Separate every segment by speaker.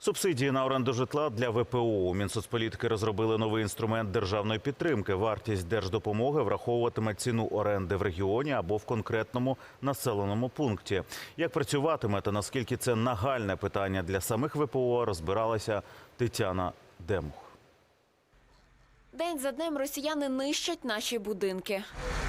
Speaker 1: Субсидії на оренду житла для ВПО. У Мінсоцполітики розробили новий інструмент державної підтримки. Вартість держдопомоги враховуватиме ціну оренди в регіоні або в конкретному населеному пункті. Як працюватиме та наскільки це нагальне питання для самих ВПО, розбиралася Тетяна Демух.
Speaker 2: День за днем росіяни нищать наші будинки.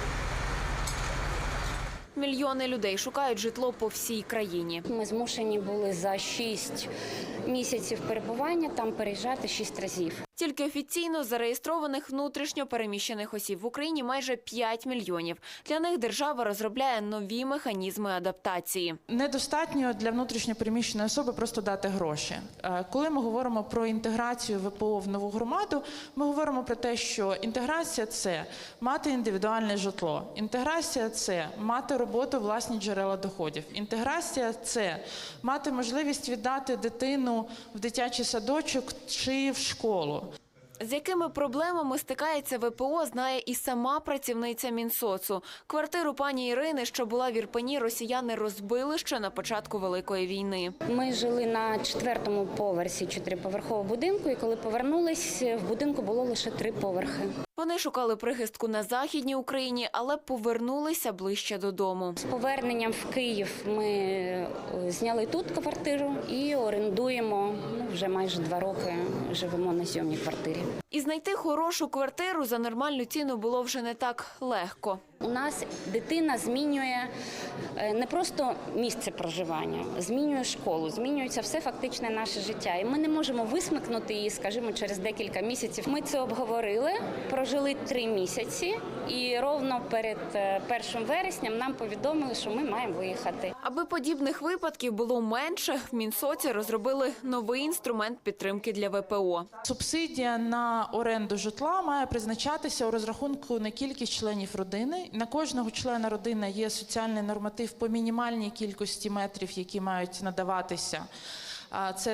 Speaker 2: Мільйони людей шукають житло по всій країні.
Speaker 3: Ми змушені були за 6 місяців перебування там переїжджати 6 разів.
Speaker 2: Тільки офіційно зареєстрованих внутрішньо переміщених осіб в Україні майже 5 мільйонів. Для них держава розробляє нові механізми адаптації.
Speaker 4: Недостатньо для внутрішньо переміщеної особи просто дати гроші. Коли ми говоримо про інтеграцію ВПО в нову громаду, ми говоримо про те, що інтеграція – це мати індивідуальне житло. Інтеграція – це мати роботу, власні джерела доходів. Інтеграція – це мати можливість віддати дитину в дитячий садочок чи в школу.
Speaker 2: З якими проблемами стикається ВПО, знає і сама працівниця Мінсоцу. Квартиру пані Ірини, що була в Ірпені, росіяни розбили ще на початку Великої війни.
Speaker 3: Ми жили на 4-му поверсі 4-поверхового будинку, і коли повернулись, в будинку було лише 3 поверхи.
Speaker 2: Вони шукали прихистку на Західній Україні, але повернулися ближче додому.
Speaker 3: З поверненням в Київ ми зняли тут квартиру і орендуємо. Вже майже 2 роки живемо на зйомній квартирі.
Speaker 2: І знайти хорошу квартиру за нормальну ціну було вже не так легко.
Speaker 3: У нас дитина змінює не просто місце проживання, змінює школу, змінюється все фактичне наше життя. І ми не можемо висмикнути її, скажімо, через декілька місяців. Ми це обговорили, прожили 3 місяці і ровно перед 1 вересням нам повідомили, що ми маємо виїхати.
Speaker 2: Аби подібних випадків було менше, в Мінсоці розробили новий інструмент підтримки для ВПО.
Speaker 4: Субсидія на оренду житла має призначатися у розрахунку на кількість членів родини. На кожного члена родини є соціальний норматив по мінімальній кількості метрів, які мають надаватися. Це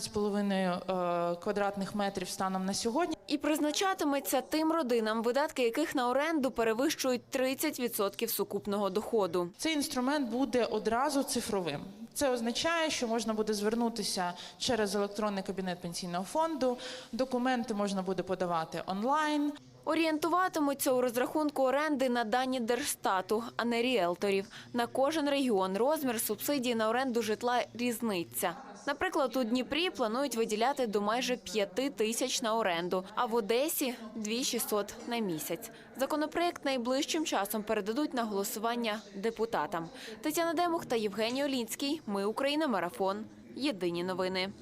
Speaker 4: 13,5 квадратних метрів станом на сьогодні.
Speaker 2: І призначатиметься тим родинам, видатки яких на оренду перевищують 30% сукупного доходу.
Speaker 4: Цей інструмент буде одразу цифровим. Це означає, що можна буде звернутися через електронний кабінет пенсійного фонду, документи можна буде подавати онлайн.
Speaker 2: Орієнтуватимуться у розрахунку оренди на дані Держстату, а не ріелторів. На кожен регіон розмір субсидії на оренду житла різниця. Наприклад, у Дніпрі планують виділяти до майже 5 тисяч на оренду, а в Одесі – 2600 на місяць. Законопроєкт найближчим часом передадуть на голосування депутатам. Тетяна Демух та Євгеній Олінський. Ми Україна. Марафон. Єдині новини.